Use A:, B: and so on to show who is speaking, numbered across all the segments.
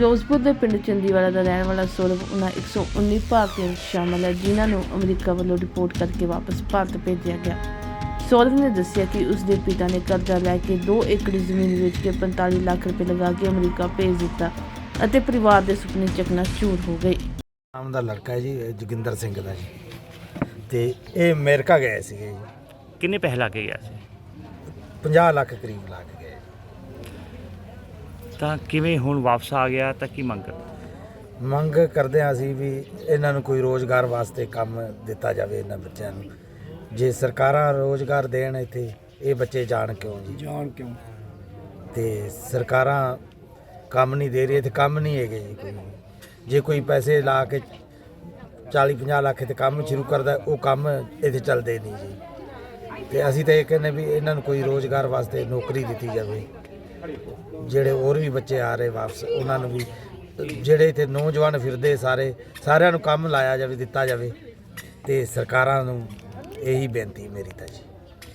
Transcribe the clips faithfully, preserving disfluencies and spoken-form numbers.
A: ਫਿਰੋਜ਼ਪੁਰ ਦੇ ਪਿੰਡ ਚੰਦੀਵਾਲਾ ਦਾ ਰਹਿਣ ਵਾਲਾ ਸੌਰਵ ਉਹਨਾਂ ਇੱਕ ਸੌ ਉੱਨੀ ਭਾਰਤੀਆਂ ਵਿੱਚ ਸ਼ਾਮਲ ਹੈ ਜਿਨ੍ਹਾਂ ਨੂੰ ਅਮਰੀਕਾ ਵੱਲੋਂ ਰਿਪੋਰਟ ਕਰਕੇ ਵਾਪਸ ਭਾਰਤ ਭੇਜਿਆ ਗਿਆ। ਸੌਰਵ ਨੇ ਦੱਸਿਆ ਕਿ ਉਸ ਦੇ ਪਿਤਾ ਨੇ ਕਰਜ਼ਾ ਲੈ ਕੇ ਦੋ ਏਕੜ ਜ਼ਮੀਨ ਵੇਚ ਕੇ ਪੰਤਾਲੀ ਲੱਖ ਰੁਪਏ ਲਗਾ ਕੇ ਅਮਰੀਕਾ ਭੇਜ ਦਿੱਤਾ ਅਤੇ ਪਰਿਵਾਰ ਦੇ ਸੁਪਨੇ ਚਕਨਾਚੂਰ ਹੋ ਗਏ।
B: ਨਾਮ ਦਾ ਲੜਕਾ ਹੈ ਜੀ ਜੋਗਿੰਦਰ ਸਿੰਘ ਦਾ ਜੀ, ਤੇ ਇਹ ਅਮਰੀਕਾ ਗਏ ਸੀਗੇ ਜੀ।
C: ਕਿੰਨੇ ਪੈਸੇ ਲਾ ਕੇ ਗਿਆ ਸੀ?
B: ਪੰਜਾਹ ਲੱਖ ਕਰੀਬ ਲਾ ਕੇ ਗਏ।
C: ਤਾਂ ਕਿਵੇਂ ਹੁਣ ਵਾਪਸ ਆ ਗਿਆ ਤਾਂ ਕੀ ਮੰਗ?
B: ਮੰਗ ਕਰਦੇ ਹਾਂ ਅਸੀਂ ਵੀ ਇਹਨਾਂ ਨੂੰ ਕੋਈ ਰੋਜ਼ਗਾਰ ਵਾਸਤੇ ਕੰਮ ਦਿੱਤਾ ਜਾਵੇ। ਇਹਨਾਂ ਬੱਚਿਆਂ ਨੂੰ ਜੇ ਸਰਕਾਰਾਂ ਰੋਜ਼ਗਾਰ ਦੇਣ ਇੱਥੇ, ਇਹ ਬੱਚੇ ਜਾਣ ਕਿਉਂ ਜੀ? ਜਾਣ ਕਿਉਂ? ਤੇ ਸਰਕਾਰਾਂ ਕੰਮ ਨਹੀਂ ਦੇ ਰਹੀ, ਇੱਥੇ ਕੰਮ ਨਹੀਂ ਹੈਗੇ ਜੀ ਕੋਈ। ਜੇ ਕੋਈ ਪੈਸੇ ਲਾ ਕੇ ਚਾਲੀ ਪੰਜਾਹ ਲੱਖ ਤੇ ਕੰਮ ਸ਼ੁਰੂ ਕਰਦਾ, ਉਹ ਕੰਮ ਇੱਥੇ ਚੱਲਦੇ ਨਹੀਂ ਜੀ। ਤੇ ਅਸੀਂ ਤਾਂ ਇਹ ਕਹਿੰਦੇ ਵੀ ਇਹਨਾਂ ਨੂੰ ਕੋਈ ਰੋਜ਼ਗਾਰ ਵਾਸਤੇ ਨੌਕਰੀ ਦਿੱਤੀ ਜਾਵੇ। ਜਿਹੜੇ ਹੋਰ ਵੀ ਬੱਚੇ ਆ ਰਹੇ ਵਾਪਸ, ਉਹਨਾਂ ਨੂੰ ਵੀ, ਜਿਹੜੇ ਇੱਥੇ ਨੌਜਵਾਨ ਫਿਰਦੇ ਸਾਰੇ ਸਾਰਿਆਂ ਨੂੰ ਕੰਮ ਲਾਇਆ ਜਾਵੇ, ਦਿੱਤਾ ਜਾਵੇ। ਤੇ ਸਰਕਾਰਾਂ ਨੂੰ ਇਹੀ ਬੇਨਤੀ ਮੇਰੀ ਤਾਂ ਜੀ।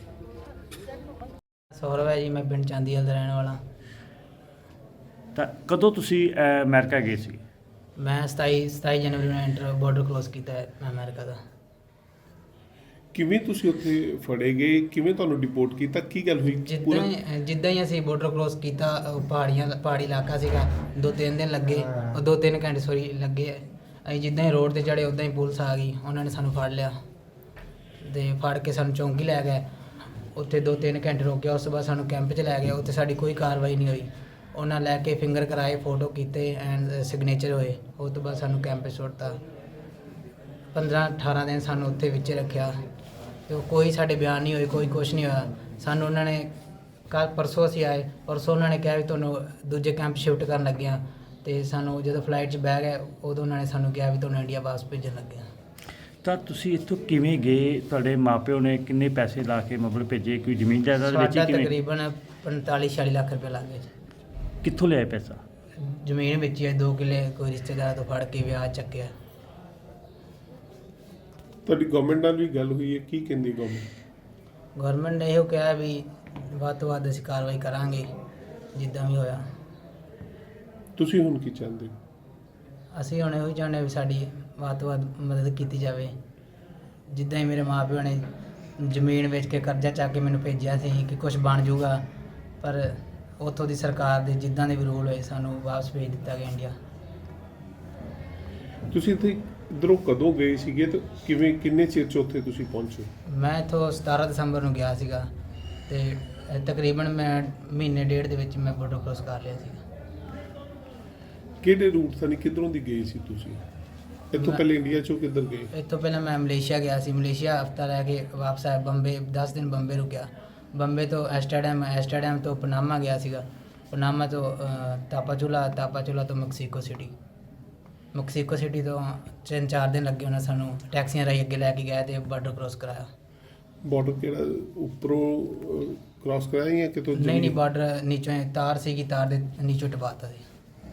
D: ਸੌਰਵ ਹੈ ਜੀ, ਮੈਂ ਪਿੰਡ ਚਾਂਦੀਵਾਲ ਦਾ ਰਹਿਣ ਵਾਲਾ।
C: ਤਾਂ ਕਦੋਂ ਤੁਸੀਂ ਅਹ, ਅਮਰੀਕਾ ਗਏ ਸੀ?
D: ਮੈਂ ਸਤਾਈ ਸਤਾਈ ਜਨਵਰੀ ਨੂੰ ਐਂਟਰ ਬਾਰਡਰ ਕ੍ਰੋਸ ਕੀਤਾ ਹੈ ਮੈਂ ਅਮਰੀਕਾ ਦਾ।
E: ਕਿਵੇਂ ਤੁਸੀਂ ਉੱਥੇ ਫੜੇ ਗਏ? ਕਿਵੇਂ ਤੁਹਾਨੂੰ ਡਿਪੋਰਟ ਕੀਤਾ? ਕੀ ਗੱਲ ਹੋਈ?
D: ਜਿੱਦਾਂ ਹੀ ਜਿੱਦਾਂ ਹੀ ਅਸੀਂ ਬਾਰਡਰ ਕ੍ਰੋਸ ਕੀਤਾ, ਉਹ ਪਹਾੜੀਆਂ ਪਹਾੜੀ ਇਲਾਕਾ ਸੀਗਾ, ਦੋ ਤਿੰਨ ਦਿਨ ਲੱਗੇ, ਉਹ ਦੋ ਤਿੰਨ ਘੰਟੇ ਸੋਰੀ ਲੱਗੇ। ਅਸੀਂ ਜਿੱਦਾਂ ਹੀ ਰੋਡ ਤੇ ਚੜ੍ਹੇ ਉੱਦਾਂ ਹੀ ਪੁਲਿਸ ਆ ਗਈ, ਉਹਨਾਂ ਨੇ ਸਾਨੂੰ ਫੜ ਲਿਆ ਤੇ ਫੜ ਕੇ ਸਾਨੂੰ ਚੌਂਕੀ ਲੈ ਗਏ। ਉੱਥੇ ਦੋ ਤਿੰਨ ਘੰਟੇ ਰੋਕਿਆ, ਉਸ ਤੋਂ ਬਾਅਦ ਸਾਨੂੰ ਕੈਂਪ 'ਚ ਲੈ ਗਏ। ਉੱਥੇ ਸਾਡੀ ਕੋਈ ਕਾਰਵਾਈ ਨਹੀਂ ਹੋਈ। ਉਹਨਾਂ ਲੈ ਕੇ ਫਿੰਗਰ ਕਰਾਏ, ਫੋਟੋ ਕੀਤੇ ਐਂਡ ਸਿਗਨੇਚਰ ਹੋਏ। ਉਸ ਤੋਂ ਬਾਅਦ ਸਾਨੂੰ ਕੈਂਪ 'ਚ ਸੁੱਟਤਾ। ਪੰਦਰਾਂ ਅਠਾਰਾਂ ਦਿਨ ਸਾਨੂੰ ਉੱਥੇ ਵਿੱਚ ਰੱਖਿਆ ਤੇ ਕੋਈ ਸਾਡੇ ਬਿਆਨ ਨਹੀਂ ਹੋਏ, ਕੋਈ ਕੁਛ ਨਹੀਂ ਹੋਇਆ। ਸਾਨੂੰ ਉਹਨਾਂ ਨੇ ਕੱਲ੍ਹ ਪਰਸੋਂ ਅਸੀਂ ਆਏ, ਪਰਸੋਂ ਉਹਨਾਂ ਨੇ ਕਿਹਾ ਵੀ ਤੁਹਾਨੂੰ ਦੂਜੇ ਕੈਂਪ ਸ਼ਿਫਟ ਕਰਨ ਲੱਗੇ ਹਾਂ। ਅਤੇ ਸਾਨੂੰ ਜਦੋਂ ਫਲਾਈਟ 'ਚ ਬਹਿ ਗਏ, ਉਦੋਂ ਉਹਨਾਂ ਨੇ ਸਾਨੂੰ ਕਿਹਾ ਵੀ ਤੁਹਾਨੂੰ ਇੰਡੀਆ ਵਾਪਸ ਭੇਜਣ ਲੱਗੇ ਹਾਂ।
C: ਤਾਂ ਤੁਸੀਂ ਇੱਥੋਂ ਕਿਵੇਂ ਗਏ? ਤੁਹਾਡੇ ਮਾਪਿਓ ਨੇ ਕਿੰਨੇ ਪੈਸੇ ਲਾ ਕੇ ਮਤਲਬ ਭੇਜੇ? ਕੋਈ ਜ਼ਮੀਨ ਜਾਇਦਾਦ ਵਿੱਚ
D: ਸਾਡਾ
C: ਕਿਵੇਂ?
D: ਤਕਰੀਬਨ ਪੰਤਾਲੀ ਛਿਆਲੀ ਲੱਖ ਰੁਪਏ ਲੱਗ ਗਏ।
C: ਕਿੱਥੋਂ ਲਿਆਏ ਪੈਸਾ?
D: ਜ਼ਮੀਨ ਵਿੱਚ ਹੀ ਦੋ ਕਿੱਲੇ ਕੋਈ ਰਿਸ਼ਤੇਦਾਰ ਤੋਂ ਫੜ ਕੇ ਵਿਆਹ ਚੱਕਿਆ।
E: ਤੁਹਾਡੀ ਗਵਰਨਮੈਂਟ ਨਾਲ ਵੀ ਗੱਲ ਹੋਈ ਹੈ? ਕੀ ਕਹਿੰਦੀ ਗਵਰਨਮੈਂਟ?
D: ਗਵਰਨਮੈਂਟ ਨੇ ਇਹੋ ਕਿਹਾ ਵੀ ਵੱਧ ਤੋਂ ਵੱਧ ਅਸੀਂ ਕਾਰਵਾਈ ਕਰਾਂਗੇ ਜਿੱਦਾਂ ਵੀ ਹੋਇਆ।
E: ਤੁਸੀਂ ਹੁਣ ਕੀ ਚਾਹੁੰਦੇ ਹੋ?
D: ਅਸੀਂ ਹੁਣ ਇਹੋ ਹੀ ਚਾਹੁੰਦੇ ਵੀ ਸਾਡੀ ਵੱਧ ਤੋਂ ਵੱਧ ਮਦਦ ਕੀਤੀ ਜਾਵੇ। ਜਿੱਦਾਂ ਹੀ ਮੇਰੇ ਮਾਂ ਪਿਓ ਨੇ ਜ਼ਮੀਨ ਵੇਚ ਕੇ ਕਰਜ਼ਾ ਚੱਕ ਕੇ ਮੈਨੂੰ ਭੇਜਿਆ ਸੀ ਕਿ ਕੁਝ ਬਣ ਜਾਊਗਾ, ਪਰ ਉੱਥੋਂ ਦੀ ਸਰਕਾਰ ਦੇ ਜਿੱਦਾਂ ਦੇ ਵੀ ਰੂਲ ਹੋਏ, ਸਾਨੂੰ ਵਾਪਸ ਭੇਜ ਦਿੱਤਾ ਗਿਆ ਇੰਡੀਆ।
E: ਤੁਸੀਂ ਇੱਥੇ ਇੱਧਰੋਂ ਕਦੋਂ ਗਏ ਸੀਗੇ ਤੇ ਕਿਵੇਂ, ਕਿੰਨੇ ਚਿਰ 'ਚ ਉੱਥੇ ਤੁਸੀਂ ਪਹੁੰਚੇ?
D: ਮੈਂ ਇੱਥੋਂ ਸਤਾਰਾਂ ਦਸੰਬਰ ਨੂੰ ਗਿਆ ਸੀਗਾ ਅਤੇ ਤਕਰੀਬਨ ਮੈਂ ਮਹੀਨੇ ਡੇਢ ਦੇ ਵਿੱਚ ਮੈਂ ਬਾਰਡਰ ਕ੍ਰੋਸ ਕਰ ਲਿਆ ਸੀਗਾ।
E: ਕਿਹੜੇ ਰੂਟ ਤੋਂ, ਕਿੱਧਰੋਂ ਦੀ ਗਏ ਸੀ ਤੁਸੀਂ? ਇੱਥੋਂ ਪਹਿਲੇ ਇੰਡੀਆ 'ਚੋਂ ਕਿੱਧਰ ਗਏ?
D: ਇੱਥੋਂ ਪਹਿਲਾਂ ਮੈਂ ਮਲੇਸ਼ੀਆ ਗਿਆ ਸੀ। ਮਲੇਸ਼ੀਆ ਹਫ਼ਤਾ ਰਹਿ ਕੇ ਵਾਪਸ ਆਇਆ। ਬੰਬੇ ਦਸ ਦਿਨ ਬੰਬੇ ਰੁਕਿਆ। ਬੰਬੇ ਤੋਂ ਐਸਟਰਡਮ, ਐਸਟਰਡਮ ਤੋਂ ਪਨਾਮਾ ਗਿਆ ਸੀਗਾ। ਪਨਾਮਾ ਤੋਂ ਤਾਪਾਚੁਲਾ, ਤਾਪਾਚੁਲਾ ਤੋਂ ਮੈਕਸੀਕੋ ਸਿਟੀ। ਮੈਕਸੀਕੋ ਸਿਟੀ ਤੋਂ ਤਿੰਨ ਚਾਰ ਦਿਨ ਲੱਗੇ। ਉਹਨਾਂ ਸਾਨੂੰ ਟੈਕਸੀਆਂ ਰਾਹੀਂ ਅੱਗੇ ਲੈ ਕੇ ਗਏ ਅਤੇ ਬਾਰਡਰ ਕ੍ਰੋਸ ਕਰਾਇਆ।
E: ਬਾਰਡਰ ਕਿਹੜਾ ਉੱਪਰੋਂ ਕ੍ਰਾਸ ਕਰਾਇਆ ਜਾਂ ਕਿਤੋਂ?
D: ਨਹੀਂ ਨਹੀਂ, ਬਾਰਡਰ ਨੀਚੋਂ ਤਾਰ ਸੀਗੀ, ਤਾਰ ਦੇ ਨੀਚੋਂ ਟਪਾਤਾ ਸੀ।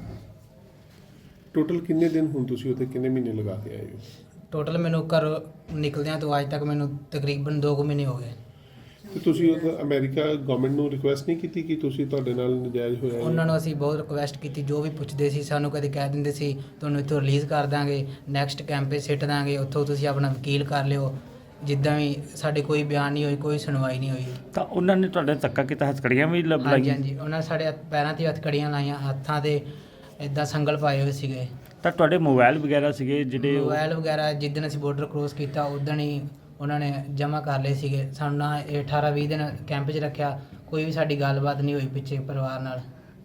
E: ਟੋਟਲ ਕਿੰਨੇ ਦਿਨ ਹੁਣ ਤੁਸੀਂ ਉੱਥੇ, ਕਿੰਨੇ ਮਹੀਨੇ ਲਗਾ ਕੇ ਆਏ ਹੋ?
D: ਟੋਟਲ ਮੈਨੂੰ ਘਰ ਨਿਕਲਦਿਆਂ ਤੋਂ ਅੱਜ ਤੱਕ ਮੈਨੂੰ ਤਕਰੀਬਨ ਦੋ ਕੁ ਮਹੀਨੇ ਹੋ ਗਏ।
E: ਤੇ ਤੁਸੀਂ ਉੱਥੇ ਅਮਰੀਕਾ ਗਵਰਨਮੈਂਟ ਨੂੰ ਰਿਕੁਐਸਟ ਨਹੀਂ ਕੀਤੀ ਕਿ ਤੁਸੀਂ, ਤੁਹਾਡੇ ਨਾਲ ਨਜਾਇਜ਼ ਹੋਇਆ?
D: ਉਹਨਾਂ ਨੂੰ ਅਸੀਂ ਬਹੁਤ ਰਿਕੁਐਸਟ ਕੀਤੀ, ਜੋ ਵੀ ਪੁੱਛਦੇ ਸੀ ਸਾਨੂੰ ਕਦੇ ਕਹਿ ਦਿੰਦੇ ਸੀ ਤੁਹਾਨੂੰ ਇੱਥੋਂ ਰਿਲੀਜ਼ ਕਰ ਦਾਂਗੇ, ਨੈਕਸਟ ਕੈਂਪੇ ਸਿੱਟ ਦਾਂਗੇ, ਉੱਥੋਂ ਤੁਸੀਂ ਆਪਣਾ ਵਕੀਲ ਕਰ ਲਿਓ। ਜਿੱਦਾਂ ਵੀ ਸਾਡੇ ਕੋਈ ਬਿਆਨ ਨਹੀਂ ਹੋਈ, ਕੋਈ ਸੁਣਵਾਈ ਨਹੀਂ ਹੋਈ।
C: ਤਾਂ ਉਹਨਾਂ ਨੇ ਤੁਹਾਡੇ ਧੱਕਾ ਕੀਤਾ? ਹੱਥਕੜੀਆਂ ਵੀ ਲੱਭ
D: ਹਾਂਜੀ
C: ਲਾਈਆਂ?
D: ਹਾਂਜੀ, ਉਹਨਾਂ ਨੇ ਸਾਡੇ ਹੱਥ ਪੈਰਾਂ 'ਤੇ ਹੱਥਕੜੀਆਂ ਲਾਈਆਂ, ਹੱਥਾਂ 'ਤੇ ਇੱਦਾਂ ਸੰਗਲ ਪਾਏ ਹੋਏ ਸੀਗੇ।
C: ਤਾਂ ਤੁਹਾਡੇ ਮੋਬਾਈਲ ਵਗੈਰਾ ਸੀਗੇ ਜਿਹੜੇ?
D: ਮੋਬਾਈਲ ਵਗੈਰਾ ਜਿੱਦਣ ਅਸੀਂ ਬਾਰਡਰ ਕ੍ਰੋਸ ਕੀਤਾ ਉਦਣ ਹੀ ਉਹਨਾਂ ਨੇ ਜਮ੍ਹਾਂ ਕਰ ਲਏ ਸੀਗੇ। ਸਾਨੂੰ ਨਾ ਇਹ ਅਠਾਰਾਂ ਵੀਹ ਦਿਨ ਕੈਂਪ 'ਚ ਰੱਖਿਆ, ਕੋਈ ਵੀ ਸਾਡੀ ਗੱਲਬਾਤ ਨਹੀਂ ਹੋਈ ਪਿੱਛੇ ਪਰਿਵਾਰ ਨਾਲ।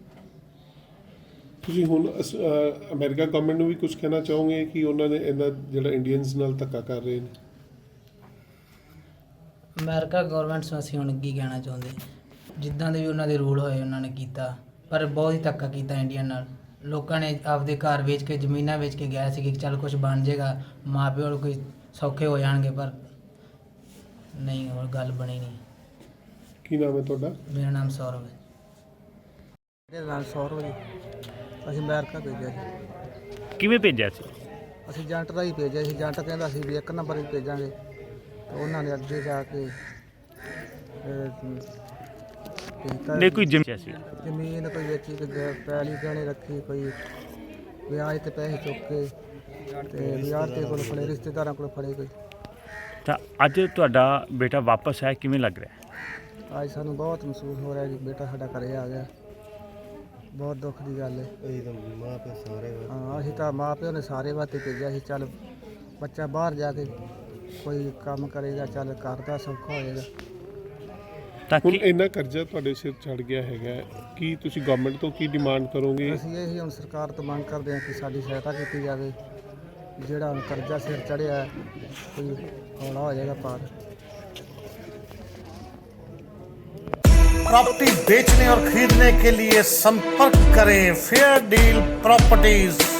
E: ਤੁਸੀਂ ਹੁਣ ਅਸ- ਅ, ਅਮਰੀਕਾ ਗਵਰਨਮੈਂਟ ਨੂੰ ਵੀ ਕੁਝ ਕਹਿਣਾ ਚਾਹੋਗੇ ਕਿ ਉਹਨਾਂ ਨੇ ਇਹਨਾਂ ਜਿਹੜਾ ਇੰਡੀਅਨਸ ਨਾਲ ਧੱਕਾ ਕਰ ਰਹੇ ਨੇ?
D: ਅਮਰੀਕਾ ਗੌਰਮੈਂਟ ਨੂੰ ਅਸੀਂ ਹੁਣ ਕੀ ਕਹਿਣਾ ਚਾਹੁੰਦੇ, ਜਿੱਦਾਂ ਦੇ ਵੀ ਉਹਨਾਂ ਦੇ ਰੂਲ ਹੋਏ ਉਹਨਾਂ ਨੇ ਕੀਤਾ, ਪਰ ਬਹੁਤ ਹੀ ਧੱਕਾ ਕੀਤਾ ਇੰਡੀਆ ਨਾਲ। ਲੋਕਾਂ ਨੇ ਆਪਦੇ ਘਰ ਵੇਚ ਕੇ, ਜ਼ਮੀਨਾਂ ਵੇਚ ਕੇ ਗਿਆ ਸੀ ਕਿ ਚੱਲ ਕੁਝ ਬਣ ਜਾਏਗਾ, ਮਾਂ ਪਿਓ ਨੂੰ ਕੋਈ ਸੌਖੇ ਹੋ ਜਾਣਗੇ, ਪਰ ਨਹੀਂ, ਹੋਰ ਗੱਲ ਬਣੀ ਨਹੀਂ।
E: ਕੀ ਨਾਮ ਹੈ ਤੁਹਾਡਾ?
D: ਮੇਰਾ ਨਾਮ ਸੌਰਵ ਹੈ।
F: ਮੇਰੇ ਨਾਲ ਸੌਰਵ ਜੀ, ਅਸੀਂ ਅਮਰੀਕਾ ਭੇਜਿਆ ਸੀ।
C: ਕਿਵੇਂ ਭੇਜਿਆ ਸੀ?
F: ਅਸੀਂ ਏਜੰਟ ਦਾ ਹੀ ਭੇਜਿਆ ਸੀ। ਏਜੰਟ ਕਹਿੰਦਾ ਸੀ ਵੀ ਇੱਕ ਨੰਬਰ ਹੀ ਭੇਜਾਂਗੇ, ਤੇ ਉਹਨਾਂ ਨੇ ਅੱਗੇ ਜਾ ਕੇ
C: ਨਹੀਂ ਕੋਈ ਜ਼ਮੀਨ ਸੀ?
F: ਜ਼ਮੀਨ ਕੋਈ ਵੇਚੀ, ਕੋਈ ਪੈਲੀ ਗਹਿਣੇ ਰੱਖੀ, ਕੋਈ ਵਿਆਜ ਤੇ ਪੈਸੇ ਚੁੱਕ ਕੇ ਤੇ ਵਿਆਜ ਤੇ ਕੋਲ ਫੜੇ, ਰਿਸ਼ਤੇਦਾਰਾਂ ਕੋਲ ਫੜੇ ਕੋਈ।
C: ਤਾਂ ਅੱਜ ਤੁਹਾਡਾ ਬੇਟਾ ਵਾਪਸ ਆਇਆ, ਕਿਵੇਂ ਲੱਗ ਰਿਹਾ ਹੈ?
F: ਅੱਜ ਸਾਨੂੰ ਬਹੁਤ ਮਹਿਸੂਸ ਹੋ ਰਿਹਾ ਜੀ, ਬੇਟਾ ਸਾਡਾ ਘਰੇ ਆ ਗਿਆ। ਬਹੁਤ ਦੁੱਖ ਦੀ ਗੱਲ ਹੈ। ਹਾਂ, ਅਸੀਂ ਤਾਂ ਮਾਂ ਪਿਓ ਨੇ ਸਾਰੇ ਵਾਸਤੇ ਭੇਜਿਆ ਸੀ, ਚੱਲ ਬੱਚਾ ਬਾਹਰ ਜਾ ਕੇ ਕੋਈ ਕੰਮ ਕਰੇਗਾ, ਚੱਲ ਘਰ ਦਾ ਸੌਖਾ ਹੋ ਜਾਏਗਾ।
C: ਤਾਂ
E: ਹੁਣ
C: ਕੀ
E: ਇੰਨਾ ਕਰਜ਼ਾ ਤੁਹਾਡੇ ਸਿਰ ਚੜ ਗਿਆ ਹੈਗਾ, ਕੀ ਤੁਸੀਂ ਗਵਰਨਮੈਂਟ ਤੋਂ ਕੀ ਡਿਮਾਂਡ ਕਰੋਗੇ?
F: ਅਸੀਂ ਇਹ ਹੀ ਹੁਣ ਸਰਕਾਰ ਤੋਂ ਮੰਗ ਕਰਦੇ ਹਾਂ ਕਿ ਸਾਡੀ ਸਹਾਇਤਾ ਕੀਤੀ ਜਾਵੇ। ਜਿਹੜਾ ਹੁਣ ਕਰਜ਼ਾ ਸਿਰ ਚੜਿਆ ਕੋਈ ਹੌਲਾ ਹੋ ਜਾਏਗਾ ਪਾਰ।
G: प्रॉपर्टी बेचने और खरीदने के लिए संपर्क करें फेयर डील प्रॉपर्टीज।